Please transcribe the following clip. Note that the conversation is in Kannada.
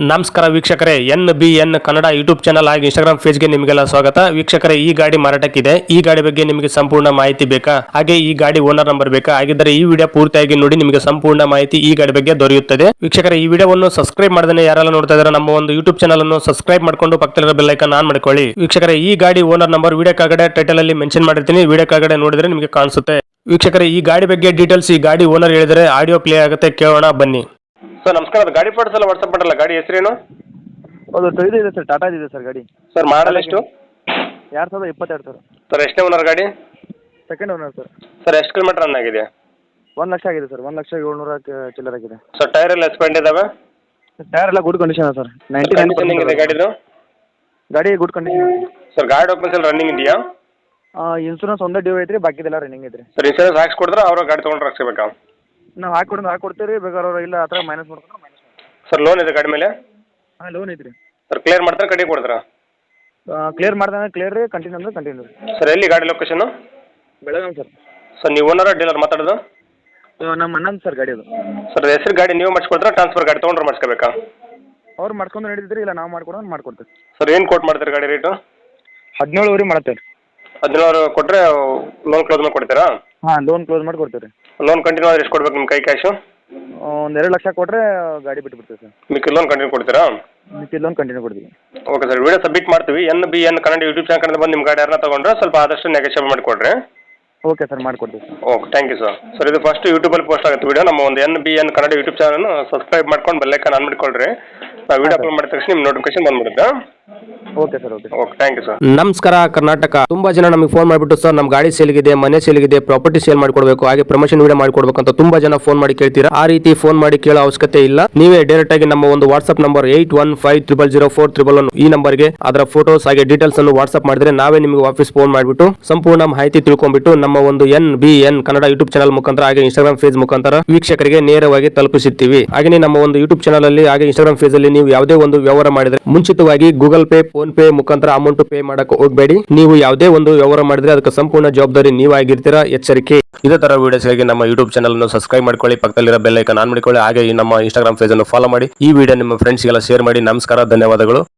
ನಮಸ್ಕಾರ ವೀಕ್ಷಕರೇ, NBN ಕನ್ನಡ ಯೂಟ್ಯೂಬ್ ಚಾನಲ್ ಹಾಗೂ ಇನ್ಸ್ಟಾಗ್ರಾಮ್ ಪೇಜ್ಗೆ ನಿಮಗೆಲ್ಲ ಸ್ವಾಗತ. ವೀಕ್ಷಕರೇ, ಈ ಗಾಡಿ ಮಾರಾಟಕ್ಕಿದೆ. ಈ ಗಾಡಿ ಬಗ್ಗೆ ನಿಮಗೆ ಸಂಪೂರ್ಣ ಮಾಹಿತಿ ಬೇಕಾ, ಹಾಗೆ ಈ ಗಾಡಿ ಓನರ್ ನಂಬರ್ ಬೇಕಾ? ಹಾಗಿದ್ದರೆ ಈ ವಿಡಿಯೋ ಪೂರ್ತಿಯಾಗಿ ನೋಡಿ, ನಿಮಗೆ ಸಂಪೂರ್ಣ ಮಾಹಿತಿ ಈ ಗಾಡಿ ಬಗ್ಗೆ ದೊರೆಯುತ್ತದೆ. ವೀಕ್ಷಕರೇ, ಈ ವಿಡಿಯೋವನ್ನು ಸಬ್ಸ್ಕ್ರೈಬ್ ಮಾಡದೇ ಯಾರೆಲ್ಲ ನೋಡ್ತಾ ಇದ್ದಾರೆ ನಮ್ಮ ಒಂದು ಯೂಟ್ಯೂಬ್ ಚಾನಲ್ ಅನ್ನು ಸಬ್ಸ್ಕ್ರೈಬ್ ಮಾಡ್ಕೊಂಡು ಪಕ್ಕದಲ್ಲಿರೋ ಬೆಲ್ ಐಕಾನ್ ಆನ್ ಮಾಡ್ಕೊಳ್ಳಿ. ವೀಕ್ಷಕರೇ, ಈ ಗಾಡಿ ಓನರ್ ನಂಬರ್ ವಿಡಿಯೋ ಕೆಳಗಡೆ ಟೈಟಲ್ ಅಲ್ಲಿ ಮೆನ್ಷನ್ ಮಾಡಿರ್ತೀನಿ, ವಿಡಿಯೋ ಕೆಳಗಡೆ ನೋಡಿದ್ರೆ ನಿಮಗೆ ಕಾಣಿಸುತ್ತೆ. ವೀಕ್ಷಕರೇ, ಈ ಗಾಡಿ ಬಗ್ಗೆ ಡೀಟೇಲ್ಸ್ ಈ ಗಾಡಿ ಓನರ್ ಹೇಳಿದರೆ ಆಡಿಯೋ ಪ್ಲೇ ಆಗುತ್ತೆ, ಕೇಳೋಣ ಬನ್ನಿ. ಸರ್ ನಮಸ್ಕಾರ, ಗಾಡಿ ಫೋಟೋಸ್ ಎಲ್ಲ ವಾಟ್ಸಪ್ ಮಾಡಲ್ಲ, ಗಾಡಿ ಹೆಸರೇನು? ಹೌದು, ಇದು ಇದೆ ಸರ್, ಟಾಟಾ ಇದೆ ಸರ್ ಗಾಡಿ. ಸರ್ ಮಾಡಲ್ ಎಷ್ಟು? 2022 ಸರ್. ಸರ್ ಎಷ್ಟನೇ ಓನರ್ ಗಾಡಿ? Second owner sir. ಸರ್ ಎಷ್ಟು ಕಿಲೋಮೀಟರ್ ರನ್ ಆಗಿದೆ? 1 ಲಕ್ಷ ಆಗಿದೆ ಸರ್, 1,700,000 ಚಿಲ್ಲರ್ ಆಗಿದೆ. ಸರ್ ಟೈರ್ ಎಲ್ಲ ಎಸ್ಪೆಂಡ್ ಇದಾವೆ? ಟೈರ್ ಎಲ್ಲ ಗುಡ್ ಕಂಡೀಷನ್ ಸರ್, ಕಂಡೀಷನ್ ಇದೆ ಗಾಡಿದು? ಗಾಡಿ ಗುಡ್ ಕಂಡೀಷನ್. ಸರ್ ಗಾಡಿ ಡಾಕ್ಯುಮೆಂಟ್ಸ್ ಎಲ್ಲ ರನ್ನಿಂಗ್ ಇದೆಯಾ? ಇನ್ಸೂರೆನ್ಸ್ ಒಂದೇ ಡ್ಯೂ ಐತ್ರಿ, ಬಾಕಿದೆಲ್ಲ ರನ್ನಿಂಗ್ ಐತ್ರಿ. ಸರ್ ಇನ್ಶೂರೆನ್ಸ್ ಹಾಕ್ಸ್ಕೊಡ್ರೆ ಅವ್ರ ಗಾಡಿ ತೊಗೊಂಡ್ರೆ ಹಾಕ್ಸ್ಬೇಕಾ? ನಾವು ಹಾಕೊಡ್ತೀವಿ, ಬೇಕಾದ್ರೆ ಅವ್ರು ಇಲ್ಲ ಆ ಥರ ಮೈನಸ್ ಮಾಡ್ಕೊಂಡ್ರೆ ಮೈನಸ್. ಸರ್ ಲೋನ್ ಇದೆ ಗಾಡಿ ಮೇಲೆ? ಹಾಂ, ಲೋನ್ ಐತ್ರಿ. ಸರ್ ಕ್ಲಿಯರ್ ಮಾಡ್ತಾರೆ, ಕಡೆ ಕೊಡ್ತಾರಾ? ಕ್ಲಿಯರ್ ಮಾಡ್ದಂಗೆ ಕ್ಲಿಯರ್ ರೀ, ಕಂಟಿನ್ಯೂ ಅಂದ್ರೆ ಕಂಟಿನ್ಯೂ ರೀ. ಸರ್ ಎಲ್ಲಿ ಗಾಡಿ ಲೊಕೇಶನ್? ಬೆಳಗಾವಿ ಸರ್. ಸರ್ ನೀವು ಓನರ್ ಡೀಲರ್ ಮಾತಾಡೋದು? ನಮ್ಮ ಅಣ್ಣಂದು ಸರ್ ಗಾಡಿ ಅದು. ಸರ್ ಹೆಸರು ಗಾಡಿ ನೀವು ಮಾಡಿಸ್ಕೊಡ್ತಾರೆ, ಟ್ರಾನ್ಸ್ಫರ್ ಗಾಡಿ ತೊಗೊಂಡ್ರೆ ಮಾಡಿಸ್ಕೋಬೇಕಾ? ಅವ್ರು ಮಾಡ್ಕೊಂಡು ನಡೀತಿದ್ರಿ, ಇಲ್ಲ ನಾವು ಮಾಡ್ಕೊಡೋದು ಮಾಡ್ಕೊಡ್ತೀವಿ. ಸರ್ ಏನು ಕೋಟ್ ಮಾಡ್ತೀರಿ ಗಾಡಿ ರೇಟು? 17 ಮಾಡ್ತೇವೆ ರೀ. 17 ಕೊಟ್ಟರೆ ಲೋನ್ ಕ್ಲೋಸ್ ಮಾಡಿ ಕೊಡ್ತೀರಾ? ಹಾಂ, ಲೋನ್ ಕ್ಲೋಸ್ ಮಾಡಿ ಕೊಡ್ತೀವಿ ರೀ. ಲೋನ್ ಕಂಟಿನ್ಯೂ ಆದರೆ ಎಷ್ಟು ಕೊಡ್ಬೇಕು ನಿಮ್ಮ ಕೈ ಕ್ಯಾಶು? ಒಂದು 2 ಲಕ್ಷ ಕೊಟ್ಟರೆ ಗಾಡಿ ಬಿಟ್ಟು ಬಿಡ್ತೀವಿ ಸರ್. ಮಿಕ್ಕಿ ಲೋನ್ ಕಂಟಿನ್ಯೂ ಕೊಡ್ತೀರಾ? ಮಿಕ್ಕಿ ಲೋನ್ ಕಂಟಿನ್ಯೂ ಕೊಡ್ತೀವಿ. ಓಕೆ ಸರ್, ವಿಡಿಯೋ ಸಬ್ಮಿಟ್ ಮಾಡ್ತೀವಿ. NBN ಕನ್ನಡ ಯೂಟ್ಯೂಬ್ ಚಾನಲ್ ಕಡೆ ಬಂದು ನಿಮ್ಮ ಗಾಡಿ ಯಾರನ್ನ ತೊಗೊಂಡ್ರೆ ಸ್ವಲ್ಪ ಆದಷ್ಟು ನೆಗೋಷಿಯೇಟ್ ಮಾಡಿಕೊಡ್ರಿ. ಓಕೆ ಸರ್, ಮಾಡಿಕೊಡ್ತೀವಿ sir. Okay, thank you sir. Sir ಇದು ಫಸ್ಟ್ ಯೂಟ್ಯೂಬಲ್ಲಿ ಪೋಸ್ಟ್ ಆಗುತ್ತೆ ವಿಡಿಯೋ. ನಮ್ಮ ಒಂದು NBN Kannada YouTube channel subscribe ಮಾಡ್ಕೊಂಡು ಬೆಲ್ ಐಕಾನ್ ಆನ್ ಮಾಡಿಕೊಳ್ರಿ. ನಾವು ವಿಡಿಯೋ ಅಪ್ಲೋಡ್ ಮಾಡಿದ ತಕ್ಷಣ ನಿಮ್ಮ ನೋಟಿಫಿಕೇಶನ್ ಬಂದ್ಬಿಡುತ್ತೆ. Okay sir. Okay, thank you sir. ನಮಸ್ಕಾರ ಕರ್ನಾಟಕ. ತುಂಬಾ ಜನ ನಮಗೆ ಫೋನ್ ಮಾಡಿಬಿಟ್ಟು ಸರ್ ನಮ್ಮ ಗಾಡಿ ಸೇಲ್ಗಿದೆ, ಮನೆ ಸೇಲ್ಗಿದೆ, ಪ್ರಾಪರ್ಟಿ ಸೇಲ್ ಮಾಡ್ಕೊಡ್ಬೇಕು, ಹಾಗೆ ಪ್ರಮೋಷನ್ ವಿಡಿಯೋ ಮಾಡ್ಕೊಡ್ಬೇಕು ಅಂತ ತುಂಬಾ ಜನ ಫೋನ್ ಮಾಡಿ ಕೇಳ್ತೀರಾ. ಆ ರೀತಿ ಫೋನ್ ಮಾಡಿ ಕೇಳೋ ಅವಶ್ಯಕತೆ ಇಲ್ಲ. ನೀವೇ ಡೈರೆಕ್ಟ್ ಆಗಿ ನಮ್ಮ ಒಂದು ವಾಟ್ಸ್ಆಪ್ ನಂಬರ್ 81500411 ಈ ನಂಬರ್ಗೆ ಅದರ ಫೋಟೋಸ್ ಹಾಗೆ ಡೀಟೇಲ್ಸ್ ಅನ್ನು ವಾಟ್ಸ್ಆಪ್ ಮಾಡಿದ್ರೆ ನಾವೇ ನಿಮಗೆ ವಾಪಸ್ ಫೋನ್ ಮಾಡಿಬಿಟ್ಟು ಸಂಪೂರ್ಣ ಮಾಹಿತಿ ತಿಳ್ಕೊಂಡ್ಬಿಟ್ಟು ನಮ್ಮ ಒಂದು NBN ಕನ್ನಡ ಯೂಟ್ಯೂಬ್ ಚಾನಲ್ ಮುಖಾಂತರ ಹಾಗೆ ಇನ್ಸ್ಟಾಗ್ರಾಮ್ ಪೇಜ್ ಮುಖಾಂತರ ವೀಕ್ಷಕರಿಗೆ ನೇರವಾಗಿ ತಲುಪಿಸುತ್ತೀವಿ. ಹಾಗೆ ನಮ್ಮ ಒಂದು ಯೂಟ್ಯೂಬ್ ಚಾನಲ್ ಅಲ್ಲಿ ಹಾಗೆ ಇನ್ಸ್ಟಾಗ್ರಾಮ್ ಪೇಜ್ ಅಲ್ಲಿ ನೀವು ಯಾವುದೇ ಒಂದು ವ್ಯವಹಾರ ಮಾಡಿದ್ರೆ ಮುಂಚಿತವಾಗಿ ಗೂಗಲ್ ಪೇ, ಫೋನ್ ಪೇ ಮುಖಾಂತರ ಅಮೌಂಟ್ ಪೇ ಮಾಡಕ್ಕೆ ಹೋಗಬೇಡಿ. ನೀವು ಯಾವುದೇ ಒಂದು ವ್ಯವಹಾರ ಮಾಡಿದ್ರೆ ಅದಕ್ಕೆ ಸಂಪೂರ್ಣ ಜವಾಬ್ದಾರಿ ನೀವಾಗಿರ್ತೀರಾ, ಎಚ್ಚರಿಕೆ. ಇದೇ ತರ ವಿಡಿಯೋಸ್ಗಾಗಿ ನಮ್ಮ ಯೂಟ್ಯೂಬ್ ಚಾನಲ್ ಅನ್ನು ಸಬ್ಸ್ಕ್ರೈಬ್ ಮಾಡ್ಕೊಳ್ಳಿ, ಪಕ್ಕದಲ್ಲಿರೋ ಬೆಲ್ ಐಕಾನ್ ಆನ್ ಮಾಡಿಕೊಳ್ಳಿ, ಹಾಗೆ ನಮ್ಮ ಇನ್ಸ್ಟಾಗ್ರಾಮ್ ಪೇಜ್ ಅನ್ನು ಫಾಲೋ ಮಾಡಿ. ಈ ವಿಡಿಯೋ ನಿಮ್ಮ ಫ್ರೆಂಡ್ಸ್ಗೆಲ್ಲ ಶೇರ್ ಮಾಡಿ. ನಮಸ್ಕಾರ, ಧನ್ಯವಾದಗಳು.